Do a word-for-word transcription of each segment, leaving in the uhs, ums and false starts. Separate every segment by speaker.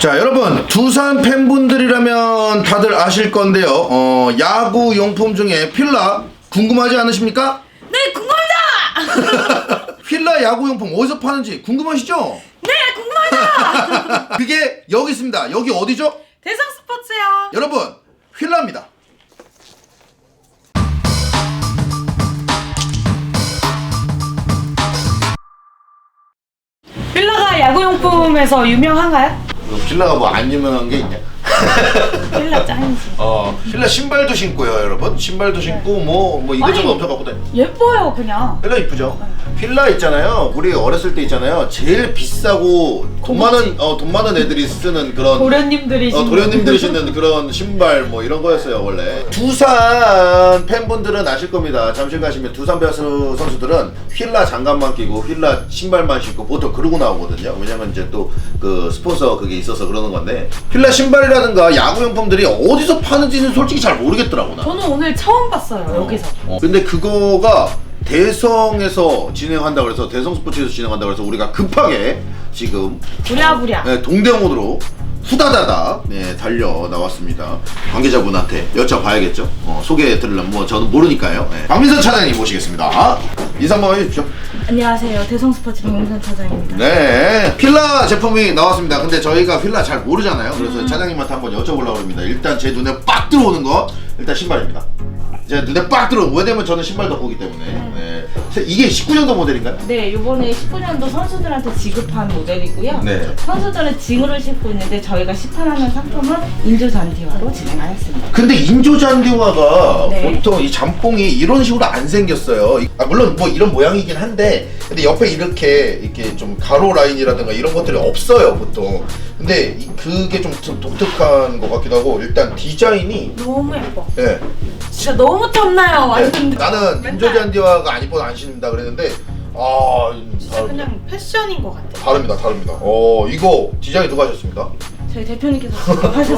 Speaker 1: 자, 여러분, 두산 팬분들이라면 다들 아실 건데요. 어, 야구 용품 중에 필라 궁금하지 않으십니까?
Speaker 2: 네, 궁금합니다.
Speaker 1: 필라 야구 용품 어디서 파는지 궁금하시죠?
Speaker 2: 네, 궁금합니다.
Speaker 1: 그게 여기 있습니다. 여기 어디죠?
Speaker 2: 대성 스포츠요.
Speaker 1: 여러분, 필라입니다.
Speaker 2: 필라가 야구용품에서 유명한가요?
Speaker 1: 필라가 뭐 안 유명한 게 있냐?
Speaker 2: 필라 짱이지.
Speaker 1: 어, 필라 신발도 신고요, 여러분. 신발도 신고 뭐 뭐 이것저것
Speaker 2: 아니,
Speaker 1: 엄청 갖고 다니.
Speaker 2: 예뻐요, 그냥.
Speaker 1: 필라 이쁘죠? 필라 있잖아요. 우리 어렸을 때 있잖아요. 제일 비싸고 돈 많은 어, 돈 많은 애들이 쓰는 그런
Speaker 2: 도련님들이
Speaker 1: 어,
Speaker 2: 신는.
Speaker 1: 도련님들이 신는 그런 신발 뭐 이런 거였어요 원래. 두산 팬분들은 아실 겁니다. 잠실 가시면 두산 베어스 선수들은 휠라 장갑만 끼고 휠라 신발만 신고 보통 그러고 나오거든요. 왜냐면 이제 또 그 스폰서 그게 있어서 그러는 건데, 휠라 신발이라든가 야구용품들이 어디서 파는지는 솔직히 잘 모르겠더라고 나.
Speaker 2: 저는 오늘 처음 봤어요,
Speaker 1: 어.
Speaker 2: 여기서.
Speaker 1: 어. 근데 그거가 대성에서 진행한다 그래서 대성 스포츠에서 진행한다 그래서 우리가 급하게 지금
Speaker 2: 부랴부랴.
Speaker 1: 네, 동대문으로 후다다다 네, 달려 나왔습니다. 관계자분한테 여쭤봐야겠죠. 어, 소개해 드리려면 뭐 저는 모르니까요. 네. 박민선 차장님 모시겠습니다. 인사 한번 해주십시오.
Speaker 2: 안녕하세요, 대성 스포츠 박민선 차장입니다.
Speaker 1: 네, 필라 제품이 나왔습니다. 근데 저희가 필라 잘 모르잖아요. 그래서
Speaker 2: 음.
Speaker 1: 차장님한테 한번 여쭤보려고 합니다. 일단 제 눈에 빡 들어오는 거 일단 신발입니다. 제 눈에 빡 들어오는, 왜냐면 저는 신발 덕후기 때문에. 네. 이게 십구 년도 모델인가요?
Speaker 2: 네, 이번에 십구 년도 선수들한테 지급한 모델이고요.
Speaker 1: 네.
Speaker 2: 선수들은 징후를 신고 있는데 저희가 시판하는 상품은 인조 잔디화로 진행하였습니다.
Speaker 1: 근데 인조 잔디화가
Speaker 2: 네.
Speaker 1: 보통 이 잠뽕이 이런 식으로 안 생겼어요. 이- 아, 물론 뭐 이런 모양이긴 한데, 근데 옆에 이렇게 이렇게 좀 가로 라인이라든가 이런 것들이 없어요 보통. 근데 이- 그게 좀, 좀 독특한 것 같기도 하고, 일단 디자인이
Speaker 2: 너무 예뻐.
Speaker 1: 예.
Speaker 2: 진짜 너무 탐나요, 완전.
Speaker 1: 네. 나는
Speaker 2: 맨날.
Speaker 1: 인조 잔디화가 안 이뻐서 안 신는다 그랬는데, 아
Speaker 2: 진짜
Speaker 1: 다릅니다.
Speaker 2: 그냥 패션인 것 같아.
Speaker 1: 다릅니다, 다릅니다. 어, 이거 디자인 누가 하셨습니다?
Speaker 2: 저희 대표님께서 직접 하셨어요.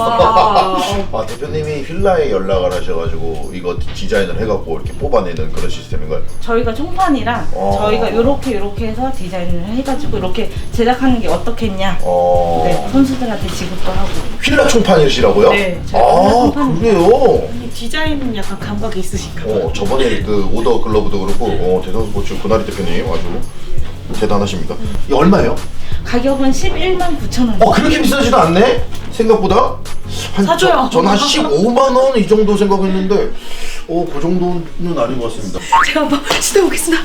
Speaker 1: 아, 대표님이 휠라에 연락을 하셔가지고 이거 디자인을 해갖고 이렇게 뽑아내는 그런 시스템인가요?
Speaker 2: 저희가 총판이랑
Speaker 1: 어.
Speaker 2: 저희가 요렇게 요렇게 해서 디자인을 해가지고 이렇게 제작하는 게 어떻겠냐.
Speaker 1: 어.
Speaker 2: 네, 선수들한테 지급도 하고.
Speaker 1: 휠라 총판이시라고요?
Speaker 2: 네, 저희가 휠라
Speaker 1: 아,
Speaker 2: 총판입니다.
Speaker 1: 그래요?
Speaker 2: 디자인은 약간 감각이 있으신가
Speaker 1: 어, 저번에 그 오더 글러브도 그렇고, 어, 대성스포츠 고나리 대표님 아주 대단하십니다. 이게 얼마예요?
Speaker 2: 가격은 십일만 구천 원.
Speaker 1: 어, 그렇게 비싸지도 않네? 생각보다? 한,
Speaker 2: 사줘요.
Speaker 1: 저, 저는 한 십오만 원 이 정도 생각했는데, 어, 그 정도는 아닌 것 같습니다.
Speaker 2: 제가 한번 시도해보겠습니다.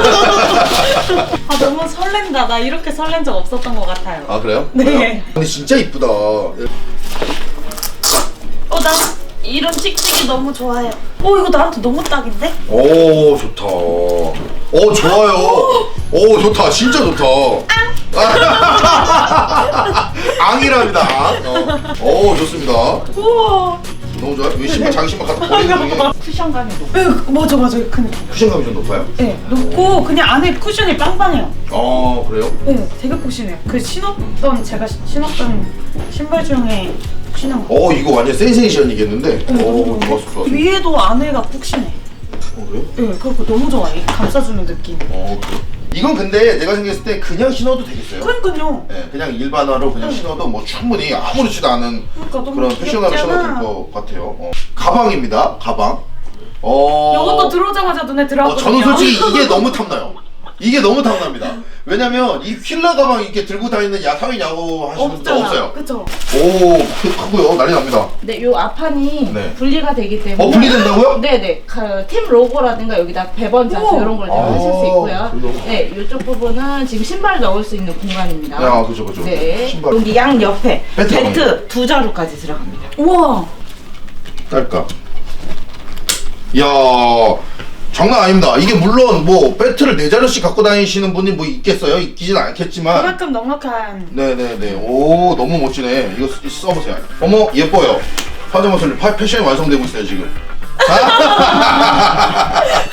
Speaker 2: 아, 너무 설렌다. 나 이렇게 설렌 적 없었던 것 같아요.
Speaker 1: 아, 그래요?
Speaker 2: 네.
Speaker 1: 그래요? 근데 진짜 이쁘다.
Speaker 2: 어, 나 이런 찍찍이 너무 좋아요. 어, 이거 나한테 너무 딱인데?
Speaker 1: 오, 좋다. 오, 좋아요. 오, 좋다. 진짜 좋다. 앙이랍니다. 앙. 어. 오, 좋습니다.
Speaker 2: 우와.
Speaker 1: 너무 좋아요. 이 신발, 자기 신발 갖다 버리는 중에
Speaker 2: 쿠션감이 높아. 네, 맞아, 맞아. 그냥.
Speaker 1: 쿠션감이 좀 높아요?
Speaker 2: 네, 높고 그냥 안에 쿠션이 빵빵해요.
Speaker 1: 아, 그래요?
Speaker 2: 네, 되게 푹신해요. 그 신었던, 제가 시- 신었던 신발 중에 푹신한 거.
Speaker 1: 어, 이거 완전 센세이션이겠는데? 오, 좋았어, 좋았어.
Speaker 2: 위에도 안에가 푹신해.
Speaker 1: 어, 그래요?
Speaker 2: 네, 그리고 너무 좋아. 이 감싸주는 느낌.
Speaker 1: 어, 그래요? 이건 근데 내가 생각했을 때 그냥 신어도 되겠어요?
Speaker 2: 그러니까요.
Speaker 1: 네, 그냥 일반화로 그냥 신어도 뭐 충분히 아무렇지도 않은
Speaker 2: 그러니까 너무
Speaker 1: 그런 패션하게 신어도
Speaker 2: 귀엽잖아.
Speaker 1: 될 것 같아요. 어. 가방입니다, 가방. 어.
Speaker 2: 이것도 들어오자마자 눈에
Speaker 1: 어,
Speaker 2: 들어왔거든요.
Speaker 1: 저는 솔직히 이게 너무 탐나요. 이게 너무 탐납니다. 왜냐면 이 휠라 가방 이렇게 들고 다니는 야 사회 야구 하시는 분들
Speaker 2: 없잖아.
Speaker 1: 없어요.
Speaker 2: 그쵸?
Speaker 1: 오, 크- 크고요. 난리 납니다.
Speaker 2: 네, 요 앞판이
Speaker 1: 네.
Speaker 2: 분리가 되기 때문에.
Speaker 1: 어, 분리된다고요?
Speaker 2: 네네. 그, 팀 로고라든가 여기다 배번 자수 우와. 이런 걸
Speaker 1: 아,
Speaker 2: 하실 수 있고요.
Speaker 1: 그래요?
Speaker 2: 네, 이쪽 부분은 지금 신발 넣을 수 있는 공간입니다.
Speaker 1: 아, 그죠, 그죠.
Speaker 2: 네.
Speaker 1: 신발.
Speaker 2: 여기 양 옆에
Speaker 1: 배트
Speaker 2: 배트 두 자루까지 들어갑니다. 우와.
Speaker 1: 딸까? 이야, 장난 아닙니다. 이게 물론 뭐 배트를 네 자루씩 갖고 다니시는 분이 뭐 있겠어요? 있기진 않겠지만.
Speaker 2: 그만큼 넉넉한.
Speaker 1: 네네네. 오, 너무 멋지네. 이거 쓰- 써보세요. 어머, 예뻐요. 파자마 솔리 파- 패션이 완성되고 있어요, 지금.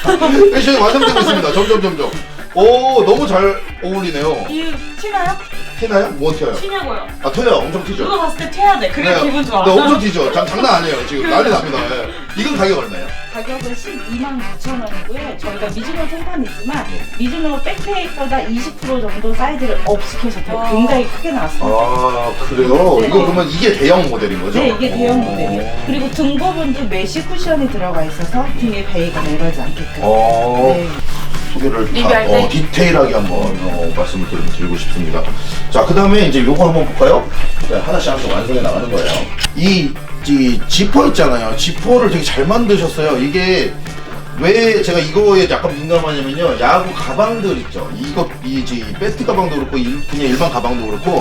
Speaker 1: 패션이 완성되고 있습니다. 점점, 점점. 오, 너무 잘 어울리네요.
Speaker 2: 이 치나요?
Speaker 1: 튀나요? 뭐 튀어요?
Speaker 2: 튀냐고요?
Speaker 1: 아 튀어요. 엄청 튀죠.
Speaker 2: 누가 봤을 때 튀어야 돼. 그게
Speaker 1: 네,
Speaker 2: 기분 좋아.
Speaker 1: 네, 엄청 튀죠. 장, 장난 아니에요. 지금 난리 납니다. 예. 이건 가격 얼마예요?
Speaker 3: 가격은 십이만 구천 원이고요. 저희가 미즈노 생판이지만 미즈노 백페이보다 이십 퍼센트 정도 사이즈를 업 시켜서 굉장히 크게 나왔습니다.
Speaker 1: 아 그래요?
Speaker 3: 네.
Speaker 1: 이거 그러면 이게 대형 모델인 거죠?
Speaker 3: 네, 이게 대형
Speaker 1: 오.
Speaker 3: 모델이에요. 그리고 등 부분도 메쉬 쿠션이 들어가 있어서 등에 베이가 내려가지 않게끔.
Speaker 1: 어.
Speaker 3: 네.
Speaker 1: 소개를 다,
Speaker 2: 리뷰할 때?
Speaker 1: 어, 디테일하게 한번 어, 말씀을 드리, 드리고 싶습니다. 자, 그 다음에 이제 요거 한번 볼까요? 자, 하나씩 하나씩 완성해 나가는 거예요. 이, 이 지퍼 있잖아요. 지퍼를 되게 잘 만드셨어요. 이게 왜 제가 이거에 약간 민감하냐면요. 야구 가방들 있죠. 이거, 이, 이 배트 가방도 그렇고, 일, 그냥 일반 가방도 그렇고,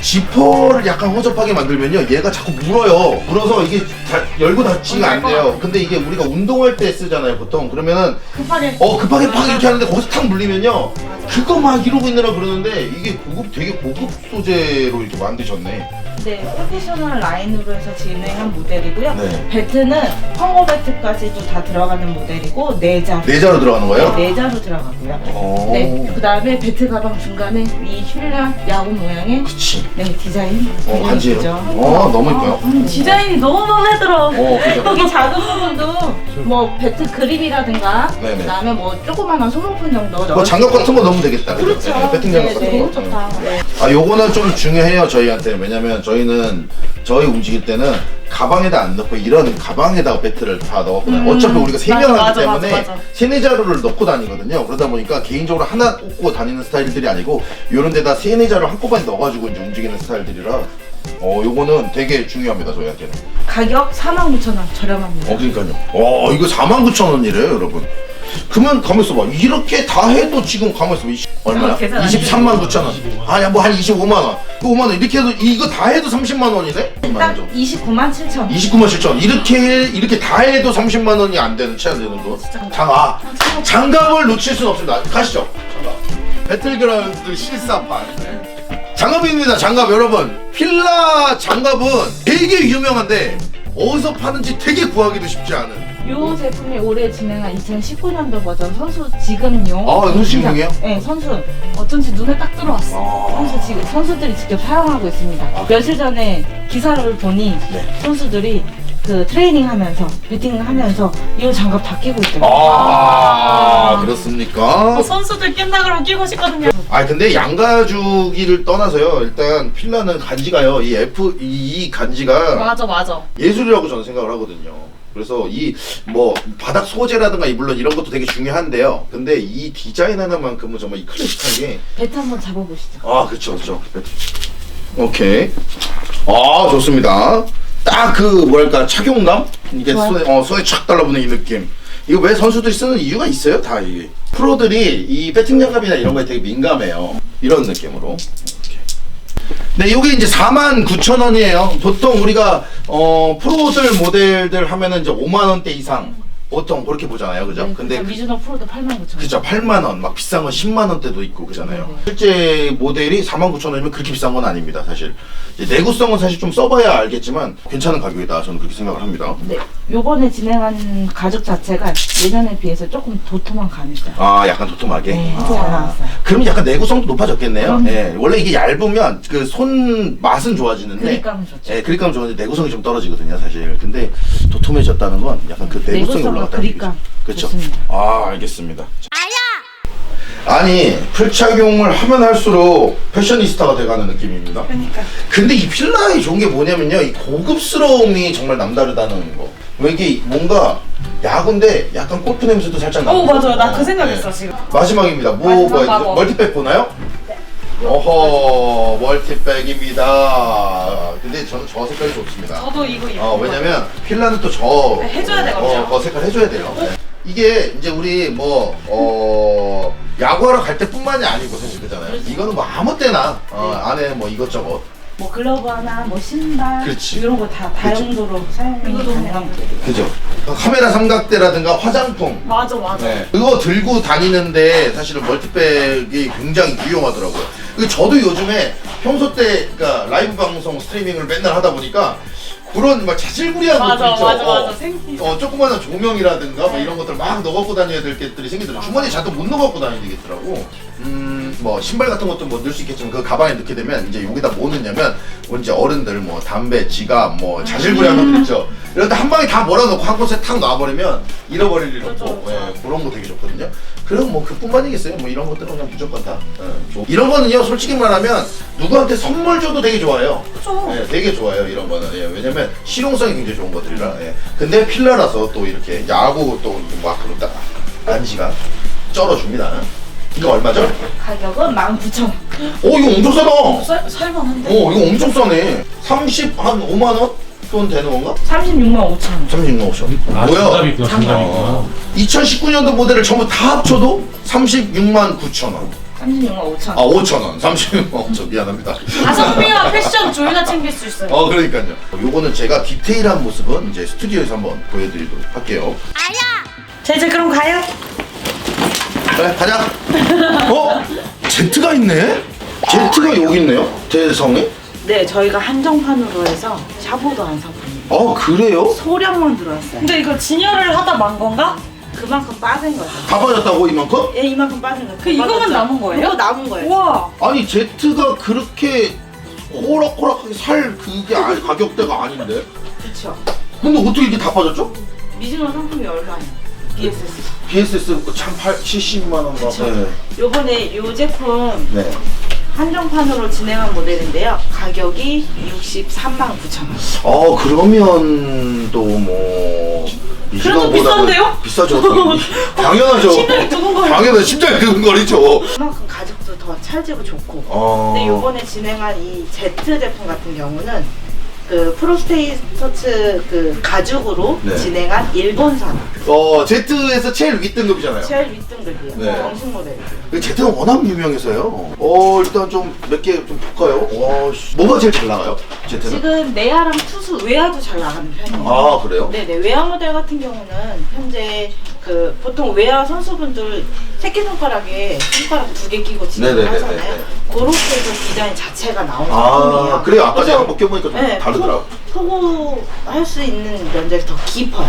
Speaker 1: 지퍼를 약간 허접하게 만들면요. 얘가 자꾸 물어요. 물어서 이게 다, 열고 닫지가 안 돼요. 근데 이게 우리가 운동할 때 쓰잖아요. 보통. 그러면은
Speaker 2: 급하게.
Speaker 1: 어 급하게 팍 이렇게 하는데 거기서 탁 물리면요 그거 막 이러고 있느라 그러는데 이게 고급 되게 고급 소재로 이렇게 만드셨네.
Speaker 3: 네, 프로페셔널 라인으로 해서 진행한 모델이고요.
Speaker 1: 네.
Speaker 3: 배트는 펑거 배트까지도 다 들어가는 모델이고 내자.
Speaker 1: 내자로 들어가는 거예요?
Speaker 3: 네, 내자로 들어가고요.
Speaker 1: 어.
Speaker 3: 네, 그 다음에 배트 가방 중간에 이 휠라 야구 모양의
Speaker 1: 그치.
Speaker 3: 네, 디자인.
Speaker 1: 어 간지예요.
Speaker 3: 예쁘죠?
Speaker 1: 어 너무 이뻐요.
Speaker 2: 음, 디자인이 너무 마음에 들어.
Speaker 1: 어 그죠.
Speaker 3: 여기 작은 부분도 뭐 배트 그립이라든가
Speaker 1: 네네.
Speaker 3: 그다음에 뭐 조그마한 소모품 정도
Speaker 1: 뭐
Speaker 3: 넣어.
Speaker 1: 장갑 같은 거 넣으면 되겠다. 그죠?
Speaker 3: 그렇죠.
Speaker 1: 네, 배팅 장갑
Speaker 3: 네,
Speaker 1: 같은
Speaker 3: 네.
Speaker 1: 거.
Speaker 2: 좋다.
Speaker 3: 네.
Speaker 1: 아 요거는 좀 중요해요 저희한테. 왜냐면 저희는 저희 움직일 때는 가방에다 안 넣고 이런 가방에다가 배트를 다 넣었거든요.
Speaker 2: 음,
Speaker 1: 어차피 우리가 세
Speaker 2: 맞아,
Speaker 1: 명 하기
Speaker 2: 맞아,
Speaker 1: 때문에
Speaker 2: 맞아, 맞아.
Speaker 1: 세네 자루를 넣고 다니거든요. 그러다 보니까 개인적으로 하나 꽂고 다니는 스타일들이 아니고 요런 데다 세네 자루 한꺼번에 넣어가지고 이제 움직이는 스타일들이라 어 요거는 되게 중요합니다 저희한테는.
Speaker 3: 가격 사만 구천 원 저렴합니다.
Speaker 1: 어 그러니까요. 와 이거 사만 구천 원이래요 여러분. 그러면 가만 있어봐. 이렇게 다 해도 지금 가만 있어봐. 이십, 얼마야?
Speaker 2: 어, 계산 안
Speaker 1: 이십삼만 구천 원. 아니야 뭐 한 이십오만 원. 그 오만 원 이렇게 해도 이거 다 해도 삼십만 원이네?
Speaker 3: 딱 이십구만 칠천 원.
Speaker 1: 이십구만 칠천 원. 이렇게 이렇게 다 해도 삼십만 원이 안 되는 채 안 되는 돈. 장아 장갑을 놓칠 수는 없습니다. 가시죠. 장갑. 배틀그라운드 실사판. 네. 장갑입니다. 장갑 여러분. 필라 장갑은 되게 유명한데 어디서 파는지 되게 구하기도 쉽지 않은.
Speaker 3: 요 제품이 올해 진행한 이천십구 년도 버전 선수 지급용.
Speaker 1: 아, 선수 지급용이에요?
Speaker 3: 네, 선수.
Speaker 2: 어쩐지 눈에 딱 들어왔어.
Speaker 1: 아.
Speaker 3: 선수 지금 선수들이 직접 사용하고 있습니다. 며칠 전에 기사를 보니
Speaker 1: 네.
Speaker 3: 선수들이 그 트레이닝 하면서 배팅을 하면서 이 장갑 다 끼고 있더라고요.
Speaker 1: 아,
Speaker 2: 아.
Speaker 1: 그렇습니까?
Speaker 2: 어, 선수들 낀다 그러면 끼고 싶거든요.
Speaker 1: 아 근데 양가주기를 떠나서요. 일단 필라는 간지가요. 이 F 이, 이 간지가
Speaker 2: 맞아, 맞아.
Speaker 1: 예술이라고 저는 생각을 하거든요. 그래서 이 뭐 바닥 소재라든가 이 물론 이런 것도 되게 중요한데요. 근데 이 디자인 하나만큼은 정말 이 클래식한 게
Speaker 3: 배트 한번 잡아보시죠.
Speaker 1: 아 그렇죠 그렇죠. 오케이. 아 좋습니다. 딱 그 뭐랄까 착용감 이게
Speaker 3: 좋아요.
Speaker 1: 손에 어 손에 착 달라붙는 이 느낌. 이거 왜 선수들이 쓰는 이유가 있어요? 다 이게 프로들이 이 배팅 장갑이나 이런 거에 되게 민감해요. 이런 느낌으로. 이렇게. 네, 요게 이제 사만 구천 원이에요. 보통 우리가 어 프로들 모델들 하면은 이제 오만 원대 이상 보통 그렇게 보잖아요, 그죠?
Speaker 3: 네,
Speaker 1: 근데
Speaker 3: 그렇죠. 미즈노 프로도 팔만 구천 원.
Speaker 1: 그죠, 팔만 원, 막 비싼 건 십만 원대도 있고 그잖아요.
Speaker 3: 네, 네.
Speaker 1: 실제 모델이 사만 구천 원이면 그렇게 비싼 건 아닙니다, 사실. 이제 내구성은 사실 좀 써봐야 알겠지만 괜찮은 가격이다, 저는 그렇게 생각을 합니다.
Speaker 3: 네, 요번에 진행한 가죽 자체가 예전에 비해서 조금 도톰한 감이 있어요.
Speaker 1: 아, 약간 도톰하게.
Speaker 3: 네,
Speaker 1: 아.
Speaker 3: 잘 나왔어요.
Speaker 1: 그럼 약간 내구성도 높아졌겠네요.
Speaker 3: 그럼요.
Speaker 1: 예, 원래 이게 얇으면 그 손 맛은 좋아지는데,
Speaker 3: 그립감은 좋죠.
Speaker 1: 예, 그립감 좋은데 내구성이 좀 떨어지거든요, 사실. 근데 도톰해졌다는 건 약간 그 내구성이
Speaker 3: 내구성과
Speaker 1: 올라갔다는
Speaker 3: 그립감.
Speaker 1: 얘기죠. 그렇죠.
Speaker 3: 좋습니다.
Speaker 1: 아, 알겠습니다. 아니 풀착용을 하면 할수록 패셔니스타가 돼가는 느낌입니다.
Speaker 2: 그러니까.
Speaker 1: 근데 이 필라의 좋은 게 뭐냐면요, 이 고급스러움이 정말 남다르다는 거. 왜 이게 뭔가 야구인데 약간 골프 냄새도 살짝 나고.
Speaker 2: 어, 맞아요. 나 그 생각했어, 지금.
Speaker 1: 마지막입니다. 뭐,
Speaker 2: 마지막
Speaker 1: 뭐
Speaker 2: 마법.
Speaker 1: 멀티백 보나요? 네. 어허, 멀티백입니다. 근데 저는 저 색깔이 좋습니다.
Speaker 2: 저도 이거 입고.
Speaker 1: 어, 왜냐면 필라는 또 저
Speaker 2: 네, 해줘야 되거든요.
Speaker 1: 어, 저 색깔 해줘야 돼요. 네. 이게 이제 우리 뭐 어, 야구하러 갈 때뿐만이 아니고 사실 그잖아요. 이거는 뭐 아무 때나 어, 안에 뭐 이것저것
Speaker 3: 뭐 글러브 하나, 뭐 신발
Speaker 1: 그렇지.
Speaker 3: 이런 거 다 다용도로 사용이 가능한 거예요.
Speaker 1: 그죠? 카메라 삼각대라든가 화장품.
Speaker 2: 맞아, 맞아.
Speaker 1: 네. 그거 들고 다니는데 사실은 멀티백이 굉장히 유용하더라고요. 그 저도 요즘에 평소 때 그러니까 라이브 방송 스트리밍을 맨날 하다 보니까 그런 막 자질구리한
Speaker 2: 맞아,
Speaker 1: 것들 있죠.
Speaker 2: 맞아, 맞아.
Speaker 1: 어,
Speaker 2: 생기죠.
Speaker 1: 어, 조그마한 조명이라든가 뭐
Speaker 2: 네.
Speaker 1: 이런 것들 막 넣어 갖고 다녀야 될 것들이 생기더라고. 주머니에 잔뜩 못 넣어 갖고 다녀야 되겠더라고. 음, 뭐 신발 같은 것도 뭐 넣을 수 있겠지만 그 가방에 넣게 되면 이제 여기다 뭐 넣냐면 뭐 이제 어른들 뭐 담배, 지갑, 뭐 자질구리한 것들 있죠. 이런데 한 방에 다 몰아넣고 한 곳에 탁 놔버리면 잃어버릴 일
Speaker 2: 그렇죠,
Speaker 1: 없고
Speaker 2: 그렇죠.
Speaker 1: 예, 그런 거 되게 좋거든요. 그럼 뭐 그뿐만이겠어요. 뭐 이런 것들은 그냥 무조건 다 예, 좋- 이런 거는요 솔직히 말하면 누구한테 선물 줘도 되게 좋아요.
Speaker 2: 그쵸.
Speaker 1: 예, 되게 좋아요 이런 거는. 예, 왜냐면 실용성이 굉장히 좋은 것들이라. 예. 근데 필라라서 또 이렇게 야구 또막 그런다 안지가 쩔어줍니다. 이거 얼마죠?
Speaker 3: 가격은 만 구천 원.
Speaker 1: 오 이거 엄청 싸다.
Speaker 2: 살, 살만한데?
Speaker 1: 오 이거 엄청 싸네. 삼십 한 오만 원 돈 되는 건가?
Speaker 3: 삼십육만 오천 원.
Speaker 1: 삼십육만 오천 원.
Speaker 4: 아,
Speaker 1: 뭐야?
Speaker 4: 장갑이 있구나, 장갑이 있구나.
Speaker 1: 어. 이천십구 년도 모델을 전부 다 합쳐도 삼십육만 구천 원.
Speaker 3: 삼십육만 오천
Speaker 1: 아
Speaker 3: 원.
Speaker 1: 오천 원. 삼십육만 오천 원. 미안합니다.
Speaker 2: 가성비와 패션 둘 다 챙길 수 있어요.
Speaker 1: 어 그러니까요. 요거는 제가 디테일한 모습은 이제 스튜디오에서 한번 보여드리도록 할게요.
Speaker 2: 자, 이제 그럼 가요.
Speaker 1: 그래 가자. 어? 제트가 있네? 제트가 여기 있네요. 대성에?
Speaker 3: 네, 저희가 한정판으로 해서 샤보도 한 상품입니다.
Speaker 1: 어 그래요?
Speaker 3: 소량만 들어왔어요.
Speaker 2: 근데 이거 진열을 하다 만 건가?
Speaker 3: 그만큼 빠진 거죠.
Speaker 1: 다 빠졌다고 이만큼?
Speaker 3: 예, 이만큼 빠진 거죠.
Speaker 2: 그 이거만 남은 거예요?
Speaker 3: 이거 남은 거예요.
Speaker 2: 우와.
Speaker 1: 아니 제트가 그렇게 호락호락하게 살 그게 아니, 가격대가 아닌데?
Speaker 3: 그렇죠.
Speaker 1: 근데 어떻게 이게 다 빠졌죠?
Speaker 3: 미즈노 상품이 얼마예요? 비에스에스.
Speaker 1: 비에스에스 참 팔, 칠십만 원가.
Speaker 3: 그쵸.
Speaker 1: 네.
Speaker 3: 요번에 요 제품
Speaker 1: 네.
Speaker 3: 한정판으로 진행한 모델인데요. 가격이 육십삼만 구천 원.
Speaker 1: 어 그러면 또 뭐
Speaker 2: 그래도 비싼데요?
Speaker 1: 비싸죠. 당연하죠.
Speaker 2: 심장이 두근거려.
Speaker 1: 당연한 심장이 두근거리죠.
Speaker 3: 그만큼 가격도 더 찰지고 좋고.
Speaker 1: 어.
Speaker 3: 근데 요번에 진행한 이 Z 제품 같은 경우는 그 프로스테이터츠 그 가죽으로
Speaker 1: 네.
Speaker 3: 진행한 일본산
Speaker 1: 어 제트에서 제일 윗등급이잖아요.
Speaker 3: 제일 윗등급이에요.
Speaker 1: 네.
Speaker 3: 정식 모델이에요.
Speaker 1: 그 제트는 워낙 유명해서요. 어 일단 좀 몇 개 좀 볼까요? 와 씨. 뭐가 제일 잘 나가요? 제트는?
Speaker 3: 지금 내야랑 투수 외야도 잘 나가는 편이에요.
Speaker 1: 아 그래요?
Speaker 3: 네네, 외야 모델 같은 경우는 현재 그 보통 외야 선수분들 새끼손가락에 손가락 두 개 끼고 진행을
Speaker 1: 네네네네네.
Speaker 3: 하잖아요. 그렇게 해서 디자인 자체가 나온 제품이에요.
Speaker 1: 아 그래요. 아까
Speaker 3: 그래서
Speaker 1: 제가 한번 껴보니까 좀
Speaker 3: 네,
Speaker 1: 다르더라고.
Speaker 3: 포고 할 수 있는 면적이 더 깊어요.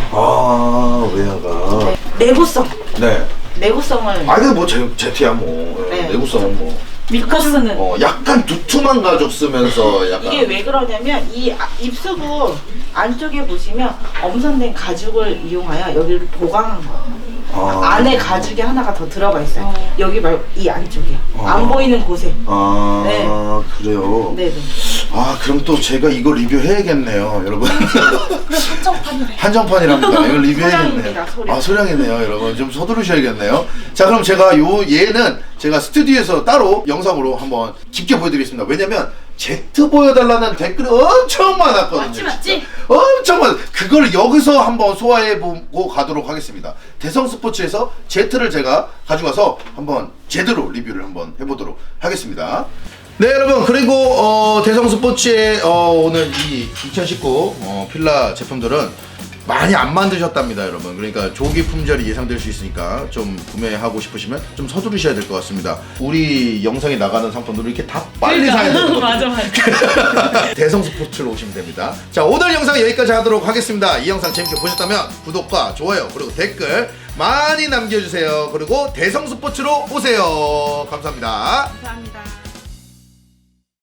Speaker 1: 아 외야가.
Speaker 3: 네, 내구성,
Speaker 1: 네.
Speaker 3: 내구성을
Speaker 1: 아 근데 뭐 제, 제트야 뭐
Speaker 3: 네.
Speaker 1: 내구성은 뭐.
Speaker 2: 밀커스는
Speaker 1: 어 약간 두툼한 가죽 쓰면서 약간.
Speaker 3: 이게 왜 그러냐면 이 아- 입수부 안쪽에 보시면 엄선된 가죽을 이용하여 여기를 보강한 거예요.
Speaker 1: 아.
Speaker 3: 안에 가죽이 하나가 더 들어가 있어요.
Speaker 2: 어.
Speaker 3: 여기 말고 이 안쪽에
Speaker 1: 어.
Speaker 3: 안 보이는 곳에.
Speaker 1: 아
Speaker 3: 네.
Speaker 1: 그래요.
Speaker 3: 네네.
Speaker 1: 아 그럼 또 제가 이거 리뷰해야겠네요, 여러분.
Speaker 2: 그래 한정판이래.
Speaker 1: 한정판이랍니다. 이거 리뷰해야겠네요.
Speaker 3: 소량입니다, 소량.
Speaker 1: 아 소량이네요, 여러분. 좀 서두르셔야겠네요. 자 그럼 제가 요 얘는 제가 스튜디오에서 따로 영상으로 한번 깊게 보여드리겠습니다. 왜냐면 제트 보여달라는 댓글이 엄청 많았거든요.
Speaker 2: 맞지, 맞지?
Speaker 1: 진짜. 엄청 많. 그걸 여기서 한번 소화해보고 가도록 하겠습니다. 대성 스포츠에서 제트를 제가 가져가서 한번 제대로 리뷰를 한번 해보도록 하겠습니다. 네 여러분 그리고 어, 대성 스포츠의 어, 오늘 이 이천십구 어, 필라 제품들은 많이 안 만드셨답니다 여러분. 그러니까 조기 품절이 예상될 수 있으니까 좀 구매하고 싶으시면 좀 서두르셔야 될 것 같습니다. 우리 영상에 나가는 상품들을 이렇게 다 빨리
Speaker 2: 그러니까.
Speaker 1: 사야 되거든요.
Speaker 2: 맞아 맞아.
Speaker 1: 대성 스포츠로 오시면 됩니다. 자 오늘 영상 여기까지 하도록 하겠습니다. 이 영상 재밌게 보셨다면 구독과 좋아요 그리고 댓글 많이 남겨주세요. 그리고 대성 스포츠로 오세요. 감사합니다.
Speaker 3: 감사합니다.